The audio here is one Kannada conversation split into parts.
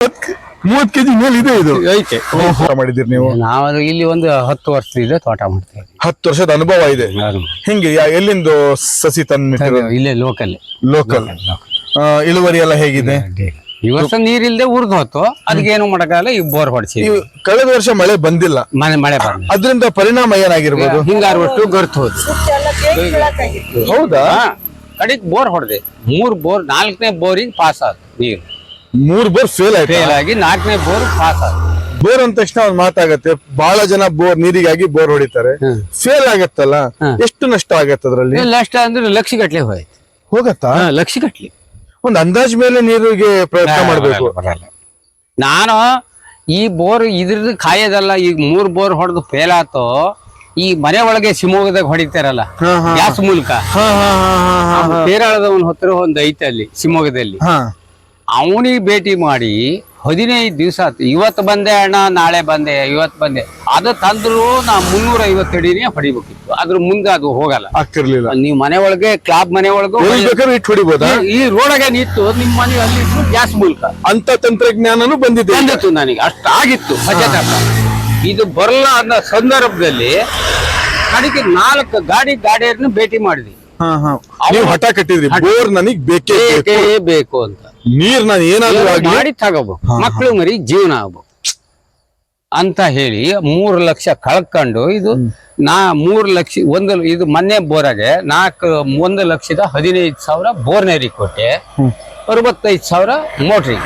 30 ಕೆಜಿ ಮೇಲೆ ಇದೆ ಇದು ಐತೆ. ಮಾಡಿದಿರಿ ನೀವು? ನಾವು ಇಲ್ಲಿ ಒಂದು 10 ವರ್ಷದಿಂದ ತೋಟ ಮಾಡ್ತೇವೆ. 10 ವರ್ಷದ ಅನುಭವ ಇದೆ. ಹಿಂಗೆ ಎಲ್ಲಿಂದ ಸಸಿ ತಂದು? ಇಲ್ಲೇ ಲೋಕಲ್. ಇಳುವರಿ ಎಲ್ಲ ಹೇಗಿದೆ? ಈ ವರ್ಷ ನೀರಿಲ್ದೆ ಉರ್ದು ಹೋತು, ಅದಕ್ಕೆ ಏನು ಮಾಡಕ್ಕಾಗಲ್ಲ. ಈ ಬೋರ್ ಹೊಡ್ಸಿ. ಕಳೆದ ವರ್ಷ ಮಳೆ ಬಂದಿಲ್ಲ, ಮಳೆ ಬಂದ ಅದರಿಂದ ಪರಿಣಾಮ ಏನಾಗಿರ್ಬೋದು? ಹಿಂಗಾರು ಒಟ್ಟು ಗರ್ತು ಹೋದ್. ಹೌದಾ? ಕಡೆಗೆ ಬೋರ್ ಹೊಡೆದೆ. 3 ಬೋರ್, 4ನೇ ಬೋರಿಗೆ ಪಾಸ್ ಆದ ನೀರು. 3 ಬೋರ್ ಫೇಲ್ ಆಗಿ 4ನೇ ಬೋರ್ ಪಾಸ್ ಆದ. ಬೋರ್ ಅಂದ ತಕ್ಷಣ ಒಂದ್ ಮಾತಾಗತ್ತೆ, ಬಹಳ ಜನ ಬೋರ್ ನೀರಿಗಾಗಿ ಬೋರ್ ಹೊಡಿತಾರೆ, ಫೇಲ್ ಆಗತ್ತಲ್ಲ, ಎಷ್ಟು ನಷ್ಟ ಆಗತ್ತೆ ಅದ್ರಲ್ಲಿ? ನಷ್ಟ ಅಂದ್ರೆ ಲಕ್ಷ ಗಟ್ಲೆ ಹೋಗತ್ತಾ? ಲಕ್ಷ ಗಟ್ಲೆ. ಒಂದ್ ಅಂದಾಜ್ ಮೇಲೆ ನೀರಿಗೆ ಪ್ರಯತ್ನ ಮಾಡ್ಬೇಕು. ನಾನು ಈ ಬೋರ್ ಇದ್ರದ್ದು ಕಾಯೋದಲ್ಲ. ಈಗ 3 ಬೋರ್ ಹೊಡೆದು ಫೇಲ್ ಆತೋ, ಈ ಮನೆ ಒಳಗೆ ಶಿವಮೊಗ್ಗದಾಗ ಹೊಡಿತಾರಲ್ಲ ಗ್ಯಾಸ್ ಮೂಲಕ, ಕೇರಳದವನ್ ಹೊತ್ತಿರ ಒಂದ್ ಐತೆ ಅಲ್ಲಿ ಶಿವಮೊಗ್ಗದಲ್ಲಿ. ಅವನಿಗೆ ಭೇಟಿ ಮಾಡಿ 15 ದಿವಸ ಆಯ್ತು. ಇವತ್ತು ಬಂದೆ ಅಣ್ಣ, ನಾಳೆ ಬಂದೆ, ಇವತ್ತು ಬಂದೆ. ಅದು ತಂದ್ರು ನಾ 350 ಅಡಿನೇ ಹೊಡಿಬೇಕಿತ್ತು. ಅದ್ರ ಮುಂದೆ ಅದು ಹೋಗಲ್ಲ, ಆಗ್ತಿರ್ಲಿಲ್ಲ. ನೀವು ಮನೆ ಒಳಗೆ ಕ್ಲಾಬ್ ಮನೆ ಒಳಗೆ ಹೊಡಿಬೋದಾ? ಈ ರೋಡಾಗೆ ನಿಂತು ನಿಮ್ಮ ಮನೆ ಅಲ್ಲಿ ಗ್ಯಾಸ್ ಮೂಲಕ ಅಂತ ತಂತ್ರಜ್ಞಾನನೂ ಬಂದಿತ್ತು ನನಗೆ. ಅಷ್ಟಾಗಿತ್ತು ಇದು ಬರಲ್ಲ ಅನ್ನೋ ಸಂದರ್ಭದಲ್ಲಿ ಕಡೆಗೆ 4 ಗಾಡಿಯನ್ನು ಭೇಟಿ ಮಾಡಿದ್ವಿ. ಹಠ ಕಟ್ಟಿದ್ರಿ, ಬೋರ್ ನನಗ್ ಬೇಕೇ ಬೇಕು ಅಂತ. ನೀರ್ ನಾನು ಏನಾದ್ರು ಮಾಡಿ ತಗೋಬೇಕು, ಮಕ್ಳು ಮರಿ ಜೀವನ ಆಗ್ಬೇಕು ಅಂತ ಹೇಳಿ 3 ಲಕ್ಷ ಕಳ್ಕೊಂಡು ಇದು 3 ಲಕ್ಷ ಇದು ಮೊನ್ನೆ ಬೋರಾಗೆ 1,15,000 ಬೋರ್ನೇರಿ ಕೊಟ್ಟೆ, 65,000 ಮೋಟ್ರಿಗೆ.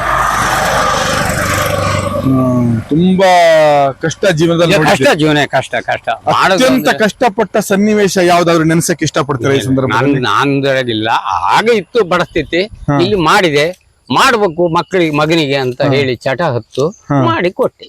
ತುಂಬಾ ಕಷ್ಟ ಜೀವನದಲ್ಲಿ. ಕಷ್ಟ ಅತ್ಯಂತ ಕಷ್ಟಪಟ್ಟ ಸನ್ನಿವೇಶ ಯಾವ್ದಾದ್ರು ನೆನ್ಸಕ್ ಇಷ್ಟಪಡ್ತೀರಾ ಈ ಸಂದರ್ಭದಲ್ಲಿ? ನಾನಿಲ್ಲ, ಆಗ ಇತ್ತು ಪರಿಸ್ಥಿತಿ. ಇಲ್ಲಿ ಮಾಡಿದೆ, ಮಾಡ್ಬೇಕು ಮಗನಿಗೆ ಅಂತ ಹೇಳಿ ಚಟ ಹತ್ತು ಮಾಡಿ ಕೊಟ್ಟೆ.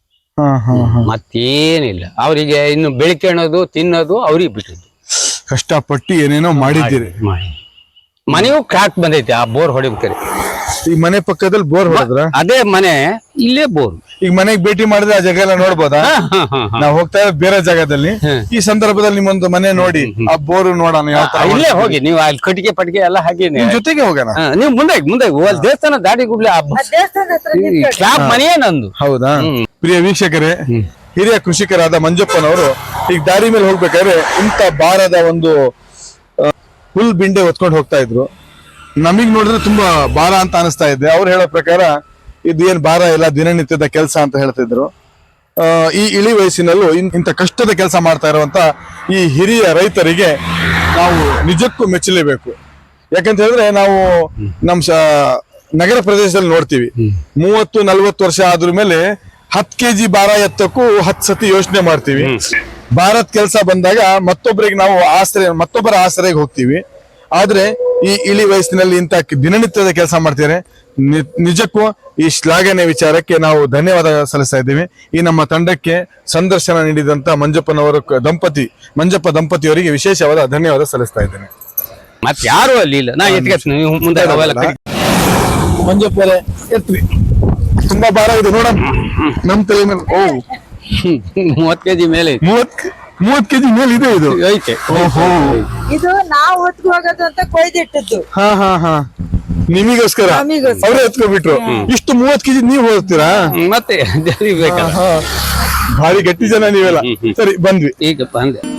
ಮತ್ತೇನಿಲ್ಲ, ಅವರಿಗೆ ಇನ್ನು ಬೆಳಿಕೊಳ್ಳೋದು ತಿನ್ನೋದು ಅವ್ರಿಗೆ ಬಿಟ್ಟಿದ್ದು. ಕಷ್ಟಪಟ್ಟು ಏನೇನೋ ಮಾಡಿದ್ದೀರಿ. ಮನೆಯೂ ಕ್ರಾಕ್ ಬಂದೈತಿ ಆ ಬೋರ್ ಹೊಡಿಬೇಕಾರೆ. ಈ ಮನೆ ಪಕ್ಕದಲ್ಲಿ ಬೋರ್ ಹೊಡೆದ್ರ? ಅದೇ ಮನೆ, ಇಲ್ಲೇ ಬೋರ್. ಈಗ ಮನೆಗೆ ಭೇಟಿ ಮಾಡಿದ್ರೆ ಆ ಜಾಗ ಎಲ್ಲ ನೋಡ್ಬೋದಾ? ನಾವ್ ಹೋಗ್ತಾ ಇರೋದು ಬೇರೆ ಜಾಗದಲ್ಲಿ. ಈ ಸಂದರ್ಭದಲ್ಲಿ ನಿಮ್ಮೊಂದು ಮನೆ ನೋಡಿ ಆ ಬೋರ್ ನೋಡೋಣ ಯಾವ ತರ. ಇಲ್ಲೇ ಹೋಗಿ ನೀವು ಅಲ್ಲಿ ಕಟ್ಟಿಗೆ ಪಟ್ಟಿಗೆ ಎಲ್ಲ ಹಾಕಿ ಜೊತೆಗೆ ಹೋಗೋಣ. ನೀವು ಮುಂದೆ ದೇವಸ್ಥಾನ ದಾಡಿ ಗುಡ್ಲೆ ಕ್ಲಾಬ್ ಮನೆಯೇ ನಂದು. ಹೌದಾ? ಪ್ರಿಯ ವೀಕ್ಷಕರೇ, ಹಿರಿಯ ಕೃಷಿಕರಾದ ಮಂಜಪ್ಪನವರು ಈಗ ದಾರಿ ಮೇಲೆ ಹೋಗ್ಬೇಕಾದ್ರೆ ಇಂತ ಭಾರದ ಒಂದು ಹುಲ್ ಬಿಂಡೆ ಹೊತ್ಕೊಂಡು ಹೋಗ್ತಾ ಇದ್ರು. ನಮಗ್ ನೋಡಿದ್ರೆ ತುಂಬಾ ಭಾರ ಅಂತ ಅನಿಸ್ತಾ ಇದೆ. ಅವ್ರು ಹೇಳೋ ಪ್ರಕಾರ ಇದು ಏನ್ ಭಾರ ಇಲ್ಲ, ದಿನನಿತ್ಯದ ಕೆಲಸ ಅಂತ ಹೇಳ್ತಿದ್ರು. ಈ ಇಳಿ ವಯಸ್ಸಿನಲ್ಲೂ ಇಂಥ ಕಷ್ಟದ ಕೆಲಸ ಮಾಡ್ತಾ ಇರುವಂತ ಈ ಹಿರಿಯ ರೈತರಿಗೆ ನಾವು ನಿಜಕ್ಕೂ ಮೆಚ್ಚಲೇಬೇಕು. ಯಾಕಂತ ಹೇಳಿದ್ರೆ ನಾವು ನಮ್ ನಗರ ಪ್ರದೇಶದಲ್ಲಿ ನೋಡ್ತೀವಿ, 30-40 ವರ್ಷ ಆದ್ರ ಮೇಲೆ 10 kg ಭಾರ ಎತ್ತಕ್ಕೂ 10 ಸತಿ ಯೋಚನೆ ಮಾಡ್ತೀವಿ. ಭಾರತ್ ಕೆಲಸ ಬಂದಾಗ ಮತ್ತೊಬ್ಬರ ಆಸರೆಗೆ ಹೋಗ್ತೀವಿ. ಆದ್ರೆ ಈ ಇಳಿ ವಯಸ್ಸಿನಲ್ಲಿ ಇಂಥ ದಿನನಿತ್ಯದ ಕೆಲಸ ಮಾಡ್ತಾರೆ. ನಿಜಕ್ಕೂ ಈ ಶ್ಲಾಘನೆ ವಿಚಾರಕ್ಕೆ ನಾವು ಧನ್ಯವಾದ ಸಲ್ಲಿಸ್ತಾ ಇದ್ದೀವಿ. ಈ ನಮ್ಮ ತಂಡಕ್ಕೆ ಸಂದರ್ಶನ ನೀಡಿದಂತ ಮಂಜಪ್ಪ ದಂಪತಿಯವರಿಗೆ ವಿಶೇಷವಾದ ಧನ್ಯವಾದ ಸಲ್ಲಿಸ್ತಾ ಇದ್ದೇನೆ. ಮತ್ತೆ ಯಾರು ಅಲ್ಲಿ ಇಲ್ಲ, ನಾ ಮುಂದೆ ಮಂಜಪ್ಪರೇ ಎತ್ರಿ, ತುಂಬಾ ಭಾರ ಇದೆ ನೋಡ ನಮ್ ತಲೆ ಮೇಲೆ. 30 kg ಮೇಲೆ 30 kg ಮೇಲೆ ಇದೆ ಇದು ಐತೆ. ಇದು ನಾವು ಹೊತ್ಕೊ ಹೋಗೋದು ಅಂತ ಕೊಯ್ದಿಟ್ಟಿದ್ದು. ನಿಮಗೋಸ್ಕರ ಅವ್ರೆ ಎತ್ಕೊಬಿಟ್ರು. ಇಷ್ಟು 30 kg ನೀವು ಹೋಗ್ತೀರಾ? ಮತ್ತೆ ಭಾರಿ ಗಟ್ಟಿ ಜನ ನೀವೆಲ್ಲ. ಸರಿ, ಬಂದ್ವಿ ಈಗ ಬಂದೆ.